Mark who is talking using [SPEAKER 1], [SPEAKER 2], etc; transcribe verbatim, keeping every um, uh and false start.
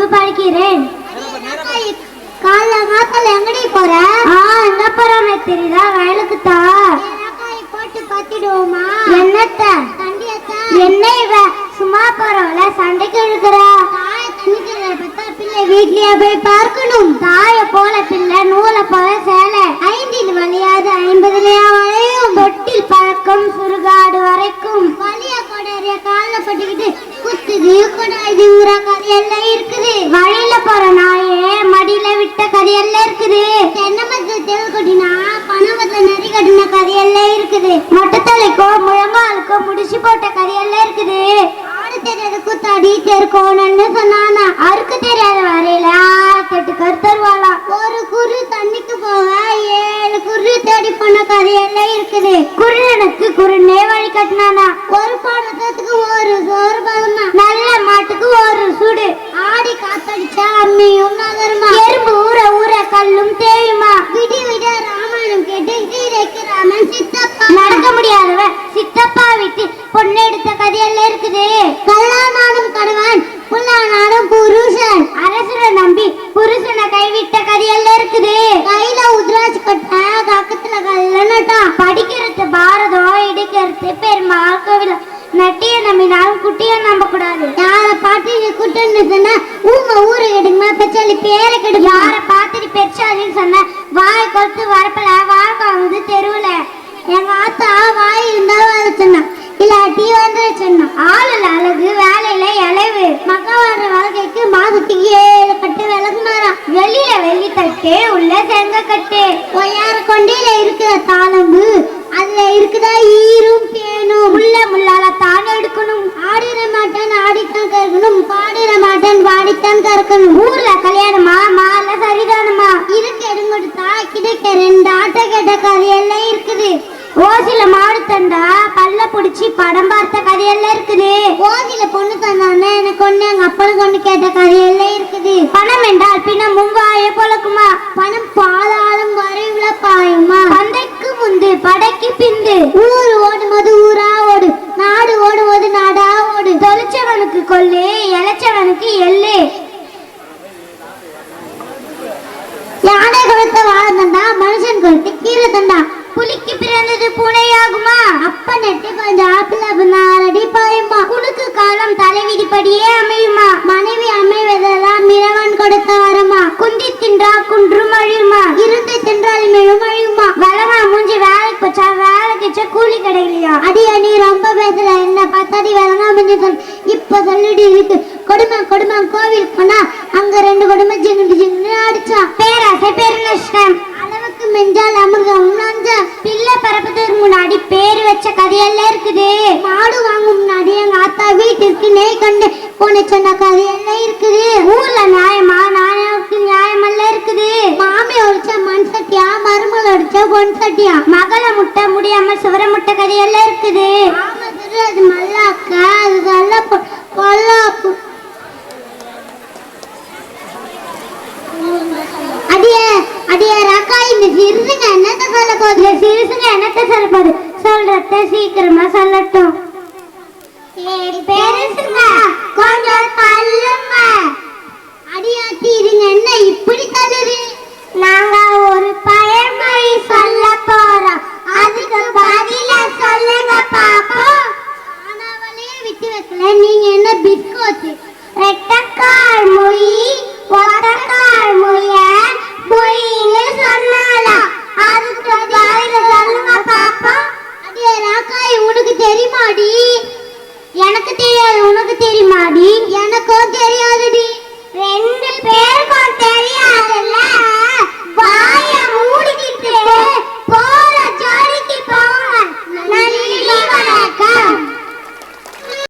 [SPEAKER 1] படிக்கிறேன். காலங்காத்தால எங்கடி போற? ஆ எங்க போறோன்னு தெரியுதா? வயலுக்கு தான். போட்டு பத்திடுவோமா? என்னத்த என்ன இவ சும்மா போறவள சண்டைக்கு இழுக்கிற? வீட்லயே போய் பார்க்கணும். தாய போல பிள்ளை நூலை போல சேலை ஐந்தில் வலியாது ஐம்பதுலயா வளையும் தொட்டில் பழக்கம் சுருகாடு வரைக்கும் வலிய கொடைய கால பட்டுக்கிட்டு குத்துது கொடாதுங்கிற கதையெல்லாம் இருக்குது. வழியில போற நாயே மடியில விட்ட கதையெல்லாம் இருக்குது. தென்னமரத்துல தெரு கொட்டினா பணமத்துல நெறி கட்டின கதையெல்லாம் இருக்குது. மொட்டத்தலைக்கோ முழங்காலுக்கோ முடிச்சு போட்ட கதையெல்லாம் இருக்குது. ஆடு தெரியாத கூத்தாடி தெருக்கோணன்னு சொன்னானா. அறுக்கு தெரியாத வரையில கட்டு கருத்தருவாளா. ஒரு குரு தண்ணிக்கு போக ஏழு குரு தேடி போன கதையெல்லாம் இருக்குது. குருடனுக்கு குருனே வழி கட்டினானா. ஒரு பாடத்துக்கு ஒரு சோறு பதமா நல்ல மாட்டுக்கு ஒரு சுடு. ஆடி காத்தடிச்சா அம்மியும் நகருமா. எறும்பு ஊற ஊற கல்லும் தேயுமா. விடி விட ராமாயணம் கேட்டு சீதைக்கு ராமன் சித்தப்பா. நடக்க முடியாதவ சித்தப்பா விட்டு பொண்ணு எடுத்த கதையெல்லாம் இருக்குது. கல்லானாலும் கணவன் புல்லானாலும் புருஷன் அரசனை நம்பி புருஷனை கைவிட்ட கதையெல்லாம் இருக்குது. கையில உத்ராட்சி கட்ட கக்கத்துல கல்லனட்டான். படிக்கிறது பாரதம் இடிக்கிறது பெருமாள் கோவில். நட்டிய நம்பினாலும் குட்டிய நம்ப கூடாது. யார பாட்டு குட்டன்னு சொன்னா ஊங்க ஊரை கெடுக்குமா பெச்சாலி பேரை கெடுக்கும். யார பாத்துட்டு பெச்சாலின்னு சொன்ன வாய் கொத்து வரப்பல வாழ்க்கை வந்து தெருவுல. எங்க ஆத்தா வாய் இருந்தா வர சொன்னா இல்லாட்டி வந்து சொன்னா. ஆளுல அழகு வேலையில இளைவு மக்க வர்ற வாழ்க்கைக்கு மாதத்துக்கு ஏழு கட்டு விளக்கு மாறான். வெளியில வெள்ளி தட்டு உள்ள செங்க கட்டு. ஒய்யார கொண்டையில இருக்கிற தாளம்பு அதுல இருக்குதா ஈரும் பேணும். முள்ள முள்ளால தான் எடுக்கணும். ஆடிர மாட்டன் ஆடித்தான் கறக்கணும். பாடிர மாட்டன் பாடித்தான் கறக்கணும். ஊர்ல கல்யாணமா மால சரிதானமா. இருக்க எடுங்கொடுத்தா கிடைக்க ரெண்டு ஆட்ட கேட்ட கதையெல்லாம் இருக்குது. ஓசில மாடு தந்தா பல்ல புடிச்சு படம் பார்த்த கதையெல்லாம் இருக்குது. ஓசில பொண்ணு தந்தானே எனக்கு ஒண்ணு எங்க அப்பனுக்கு ஒண்ணு கேட்ட கதையெல்லாம் இருக்குது. பணம் என்றால் பின்ன மும்பாய பொழக்குமா. பணம் பாலாலும் வரைவுல பாயுமா. பந்தைக்கு முந்து படைக்கு பிந்து. ஊர் ஓடும்போது ஊரா ஓடு. நாடு ஓடும்போது நாடா ஓடு. தொலைச்சவனுக்கு கொல்லு இளைச்சவனுக்கு எள்ளு. யானை கொடுத்த வாழ தந்தா மனுஷன் கொடுத்து கீரை தந்தா. புலிக்கு பிறந்தது பூனையாகுமா. அப்ப நெட்டு கொஞ்சம் ஆப்பிள் நாலடி பாயுமா. குடுக்கு காலம் தலைவிதிப்படியே அமையுமா. மனைவி அமைவதெல்லாம் மிரவன் கொடுத்த வரமா. குந்தி தின்றா குன்றும் அழியுமா. இருந்து தின்றால் மேலும் அழியுமா. வளமா மூஞ்சி வேலைக்கு போச்சா வேலைக்கு கூலி கிடைக்கலையா. அடியா நீ ரொம்ப பேசல என்ன பத்தாடி வளங்கா முடிஞ்சு சொல். இப்ப சொல்லிட்டு இருக்கு கொடுமை கொடுமை. கோவில் போனா அங்க ரெண்டு கொடுமை ஜிங்கு ஜிங்கு அடிச்சா. பேராசை பேரு நஷ்டம் அளவுக்கு மெஞ்சால் அமிர்தம் நஞ்சா. பிள்ளை பரப்பதற்கு முன்னாடி பேரு வச்ச கதையெல்லாம் இருக்குது. மாடு வாங்கும் முன்னாடி எங்க ஆத்தா வீட்டிற்கு நெய் கண்டு போன சொன்ன கதையெல்லாம் இருக்குது. ஊர்ல நியாயமா நாயக்கு நியாயமெல்லாம் இருக்குது. மாமி ஒடிச்ச மண் சட்டியா மருமகள் ஒடிச்ச பொன் சட்டியா. மகளை முட்டை முடியாம சுவர முட்டை கதையெல்லாம் இருக்குது. அது மல்லாக்கா அது நல்ல பொல்லாப்பு. அடியே அடியே ராக்கா இந்த சிறுசுங்க என்னத்த சொல்ல போகுது. சிறுசுங்க என்னத்த சொல்ல போகுது சொல்றத சீக்கிரமா சொல்லட்டும். பெருசுங்க கொஞ்சம் தள்ளுங்க. அடியாத்தி இருங்க என்ன இப்படி தள்ளுது. நாங்க ஒரு பழமொழி சொல்ல போறோம். அதுக்கு பதில சொல்லுங்க பாப்போம். ஆனாவளே விட்டு வைக்கல நீங்க என்ன பிஸ்கோத்து. ரெட்டக்கால் மொழி ஒத்தக்கால் மொழிய மொழின்னு சொன்னாலா. அதுக்கு பதில சொல்லுங்க பாப்போம். அடியே ராக்காய் உனக்கு தெரியுமாடி. எனக்கு தெரியாது உனக்கு தெரியுமாடி. எனக்கும் தெரியாதுடி. ரெண்டு பேர்